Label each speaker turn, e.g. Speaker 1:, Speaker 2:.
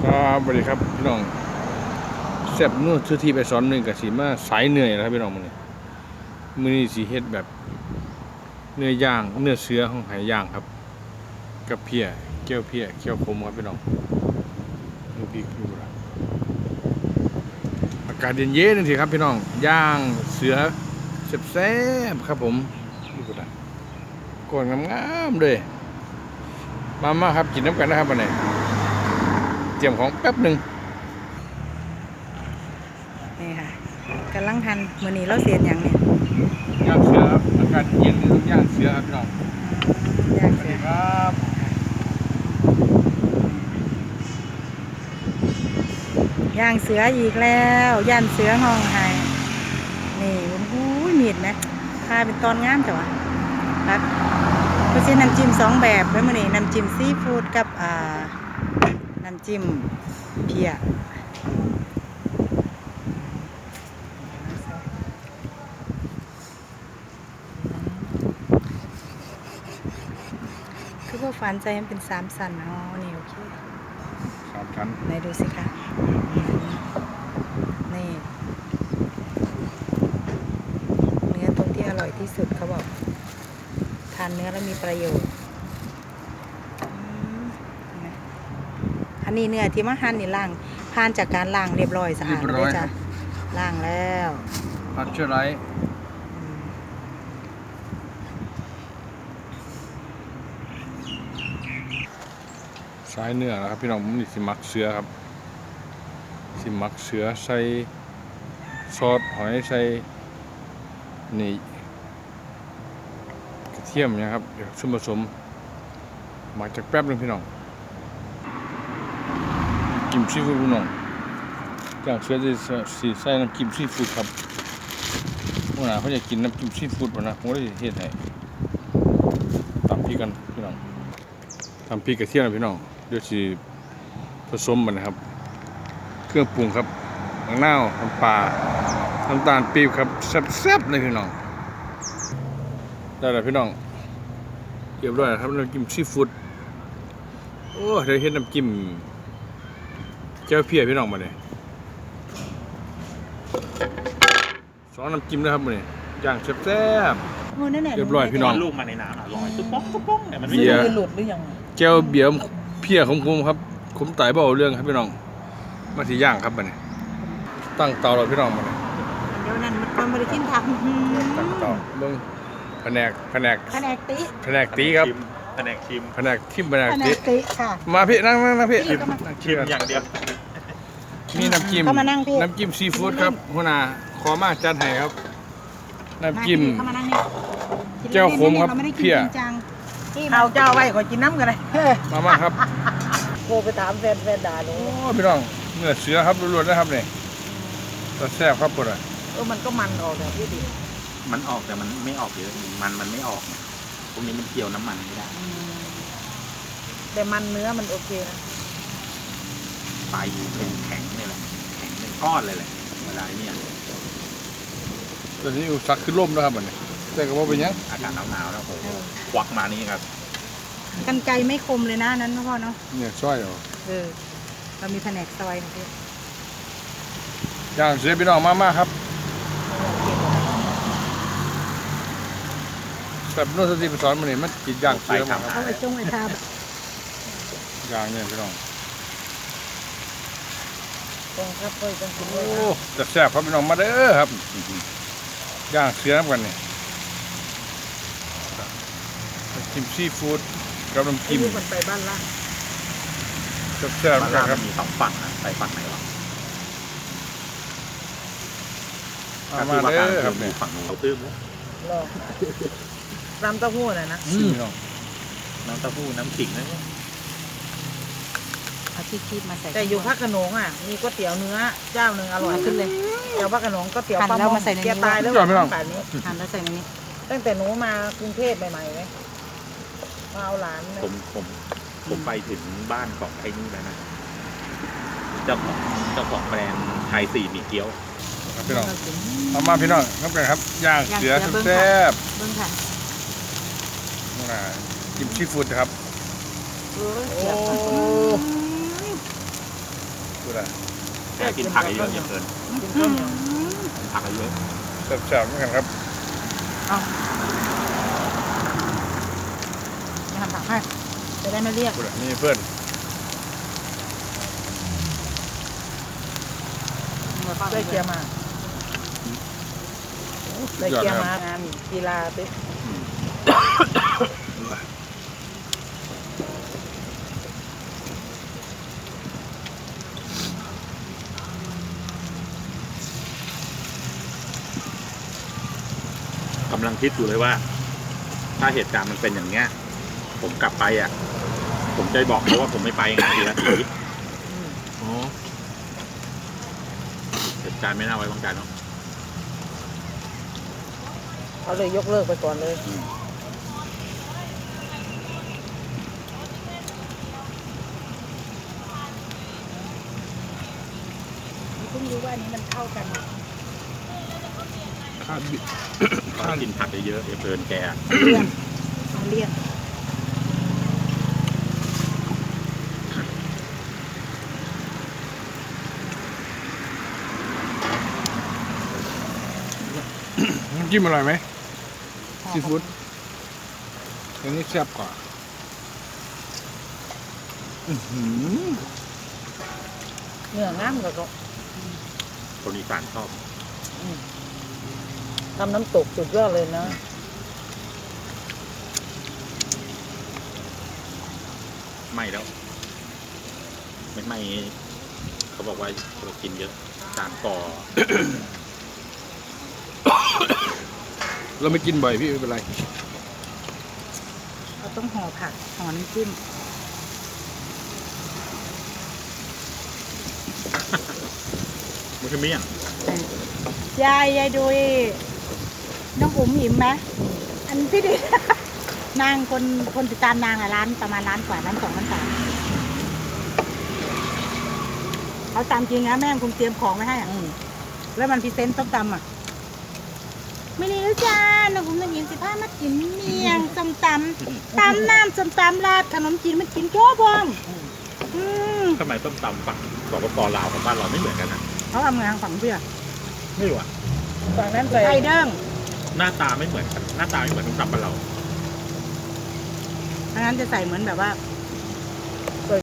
Speaker 1: สวัสดีครับพี่น้องแซ่บนู่นชื่อที่ไปสอนหนึ่งกับสีมาสายเหนื่อยนะครับพี่น้องมื้อนี้สีเฮ็ดแบบเนื้อย่างเนื้อเสือของหายย่างครับกับเพียเกี๊ยวเพียเกี๊ยวขมครับพี่น้องนี่พริกอยู่ละอากาศเย็นๆนั่นสิครับพี่น้องย่างเสือแซ่บๆครับผมนี่ก็ได้ก้อนงามๆเลยมาครับกินน้ำกันนะครับวันนี้เตรียมของแป๊บหนึ่ง
Speaker 2: นี่ค่ะกำลังทันมื้อนี้เราเสียดอย่างเนี่ย
Speaker 1: ย่างเสือครับอากาศเย็นต้องย่างเสือครับพี่น้อง
Speaker 2: ย่าง
Speaker 1: สวัส
Speaker 2: เสื
Speaker 1: ดี
Speaker 2: อ
Speaker 1: ครับ
Speaker 2: ย่างเสืออีกแล้วย่านเสือห้องไห้นี่โอ้โหมีดนะพาเป็นตอนงามจ้ะวะครับก็ใช้น้ำจิ้ม2แบบแล้วมื้อนี้น้ำจิ้มซีฟู้ดกับน้ำจิ้มเพียคือว่าฝันใจมันเป็น3สันอ๋อนี่โอเค
Speaker 1: 3 ชั้น
Speaker 2: ไหนดูสิคะนี่เนื้อตรงที่อร่อยที่สุดเขาบอกทานเนื้อแล้วมีประโยชน์อันนี้เนื้อที่มาหั่นนี่ล้างผ่านจากการล้างเรียบร้อยสะอาดเลยจ้ะล้างแล้ว
Speaker 1: พัชเชอร์ไรสายเนื้อนะครับพี่น้องผมนี่สิมักเสือครับสิมักเสือใส่ซอสหอยใส่นี่กระเทียมนะครับเดี๋ยวส่วนผสมหมักจากแป๊บนึงพี่น้องกิมซีฟู้ดพี่น้องจากเสือจะใส่น้ำกิมซีฟู้ดครับวันหน้าเขาจะกินน้ำกิมซีฟู้ดป่ะนะผมก็จะเฮ็ดให้ตำพริกกันพี่น้องทำพริกกระเทียมนะพี่น้องเดี๋ยวสิผสมมันนะครับเครื่องปรุงครับมะนาวน้ำปลาน้ำตาลปี๊บครับแซ่บๆเลยพี่น้องได้แล้วพี่น้องเรียบร้อยแล้วครับน้ำจิ้มซีฟู้ดโอ้เดี๋ยวเฮ็ดน้ำจิ้มเจ้าเพียพี่น้องมาเลย2น้ำจิ้มนะครับมาเลยย่างแซ่บๆเรียบร้อยพี่น้อง
Speaker 3: ลูกมาในน้ำลอยตุ๊บป๊อกตุ๊บป๊อกเนี่ยมันไม่
Speaker 1: เบียร์
Speaker 2: หลุดหรือยัง
Speaker 1: แก้วเบียร์เพียของผมครับผมไต่บ่เอาเรื่องครับพี่น้องมาที่ย่างครับมาเลยตั้งเตาเราพี่น้องมาเลย
Speaker 2: เดี๋ยวนั้นมันบริกินทำ
Speaker 1: ตั้งเตาเบิ่งแผนก
Speaker 2: แผนกติ
Speaker 1: แผนกตีครับ
Speaker 3: แผนกชิม
Speaker 1: แผนกทิมแผนก
Speaker 2: แผน
Speaker 1: ตี
Speaker 2: กติค่ะ
Speaker 1: มาพี่นั่งพี่
Speaker 3: ชิมอย่างเดียว
Speaker 1: มีน้ำจิ้ม
Speaker 2: เข้ามานั่งพี่
Speaker 1: น้ำจิ้มซีฟู้ดครับหัวหน้าขอมาจัดให้ครับน้ำจิ้ม
Speaker 2: เข้ามานั่งนี่
Speaker 1: แก้วขมครับ
Speaker 2: าไม่ได้กิน
Speaker 1: เพี้ย
Speaker 2: จริงจัง
Speaker 4: เอาเจ้าไว้ขอกินน้ำกันเลย
Speaker 1: มาครับ
Speaker 4: โทรไปถามแฟนด่าหนู
Speaker 1: โอ้พี่น้องเนื้อเสือครับล้วนๆนะครับนี่ตัวแซ่บครับปวดอ่ะ
Speaker 4: มันก็มันออกแบบพี่ดิ
Speaker 3: มันออกแต่มันไม่ออกเยอะมันไม่ออกเนี่ยพวกนี้มันเกี่ยวน้ำมันไม่ได้
Speaker 4: แต่มันเนื้อมันโอเคนะ
Speaker 3: ปลายเป็นแข็งนี่แหละแข็งเป็นก้อนเลยแหละเวลาเนี่ย
Speaker 1: ตอนนี้อุสักขึ้นร่มแล้วครับอันนี้แต่ก็ว่าเป็นยัง
Speaker 3: อากาศหนาวๆแล้วโอ้โหควักมานี่ครับ
Speaker 2: กันไกรไม่คมเลยนะนั้นพ่อเนาะ
Speaker 1: เนี่ยช่อยเหรอ
Speaker 2: เรามีแผนกซอยนะพี่
Speaker 1: ย่างเสือพี่น้องมาครับแบบนู้นสติไปสอนมันนี่มันกินย่างเสือมาครับ
Speaker 2: เอาไอ้จงไอ้ทาบ
Speaker 1: ย่างเนี่ยพี่น้อง
Speaker 4: ตรงครับเพื่อนต้องกิน
Speaker 1: โอ้
Speaker 4: ด้วยนะ
Speaker 1: จะแซ่บครับพี่น้องมาเด้อครับย่างเสือน้ำกันนี่น้ำจิ้มซีฟู้ดกับน้ำ
Speaker 4: ไอ้
Speaker 1: จิ้ม
Speaker 4: ลูกมันไปบ้านล่าง
Speaker 1: แซ่บ
Speaker 3: มัน
Speaker 1: ๆกันค
Speaker 3: มั
Speaker 1: รับ
Speaker 3: นมี2ฝั่งนะไปฝั่งไหนวะ
Speaker 1: มาเด้อครับ
Speaker 3: มี
Speaker 1: เนี่ย
Speaker 3: ฝั่งนู้นเราตื้มแล้ว
Speaker 4: รอน้ำเต้าหู้น่ะนะ
Speaker 1: พี่น้อง
Speaker 3: น้ำเต้าหู้น้ำขิงนะเนี่ย
Speaker 2: เอาที่คีบมาใส่
Speaker 4: แต่อยู่ภาคขนงอ่ะมีก๋วยเตี๋ยวเนื้อเจ้าหนึ่งอร่อยขึ้นเลยเจ้าภาคขนงก๋วยเตี๋ยวปลาหม้อแกตายแล้วแบบนี้
Speaker 2: หั่นแล้วใส่ในนี้
Speaker 4: ตั้งแต่หนูมากรุงเทพใหม่ๆไหมมาเอาหลานเนี่ย
Speaker 3: ผมไปถึงบ้านของไอ้นี่แล้วนะเจ้าของแบรนด์ไทย4มีเกี๊ยว
Speaker 1: ครับพี่น้องเอามาพี่น้องครับกันครับย่างเสือแซ่บ
Speaker 2: เบิ้งค่ะ
Speaker 1: จิ้มซีฟู้ดครับ
Speaker 4: โอ้
Speaker 1: โอ้ละ
Speaker 3: แกกินผักเยอะๆอย่าเกิน
Speaker 4: กินข้าวเหนียว
Speaker 3: ผักเยอะ
Speaker 1: แซ่บๆเหมือนกันครับ
Speaker 2: ทำผักให้จะได้ไม่เรียก
Speaker 1: พูดนี่เพื่อน
Speaker 4: ได้เกียร์มาได้เกียร์มางานกีฬาไป
Speaker 3: กำลังคิดอยู่เลยว่า ถ้าเหตุการณ์มันเป็นอย่างเงี้ย ผมกลับไปอ่ะ ผมจะบอกเขาว่าผมไม่ไปไงทีละที
Speaker 1: อ๋อ
Speaker 3: เหตุการณ์ไม่น่าไว้วางใจเนาะ
Speaker 4: เขาเลยยกเลิกไปก่อนเลย
Speaker 2: เพิ่งรู้ว่าอันนี้มันเข้ากัน
Speaker 1: ข้าวบิ
Speaker 3: ถ้ากินผักเยอะๆอย่าเกินแก
Speaker 2: มันเลี่ยน
Speaker 1: น้ำจิ้มอร่อยไหมซีฟู้ดอันนี้แซ่บกว่า
Speaker 4: เนื้องามกับก็
Speaker 3: คนอีสานชอบ
Speaker 4: ทำน้ำตกสุดยอดเลยนะ
Speaker 3: ไม่แล้ว ไม่เขาบอกว่าเรากินเยอะตามก่อ
Speaker 1: เราไม่กินบ่อยพี่ไม่เป็นไร
Speaker 2: เราต้องห่อผักห่อน้ำจิ้ม
Speaker 3: มันคือเมี่ยง
Speaker 2: ยายดูน้องอุ๋มหิมไหมอันที่ดิ นางคนติดตามนางอะร้านประมาณล้านกว่าล้าน 2 ล้าน 3เขาตามจริงนะแม่คงเตรียมของไว้ให้อะแล้วมันพรีเซนต์ต้มตำอ่ะไม่ได้แล้วจ้าน้องอุ๋มน้องหิม15มากินเมียงส้มตำตำน้ำส้มตำราดขนมจีนมันกินโจ้พองม
Speaker 3: ทำไมต้มตำฝั่งสปปลาวกับบ้านเราไม่เหมือนกันนะ
Speaker 2: เขาทำงานฝั่งเพื่อ
Speaker 3: ไม่รู้อะ
Speaker 4: ฝั่งนั้นใส่
Speaker 2: ไข่เด้ง
Speaker 3: หน้าตาไม่เหมือนกันหน้าตาไม่เหมือนต้มตำบ้านเรา
Speaker 2: ทางนั้นจะใส่เหมือนแบบว่า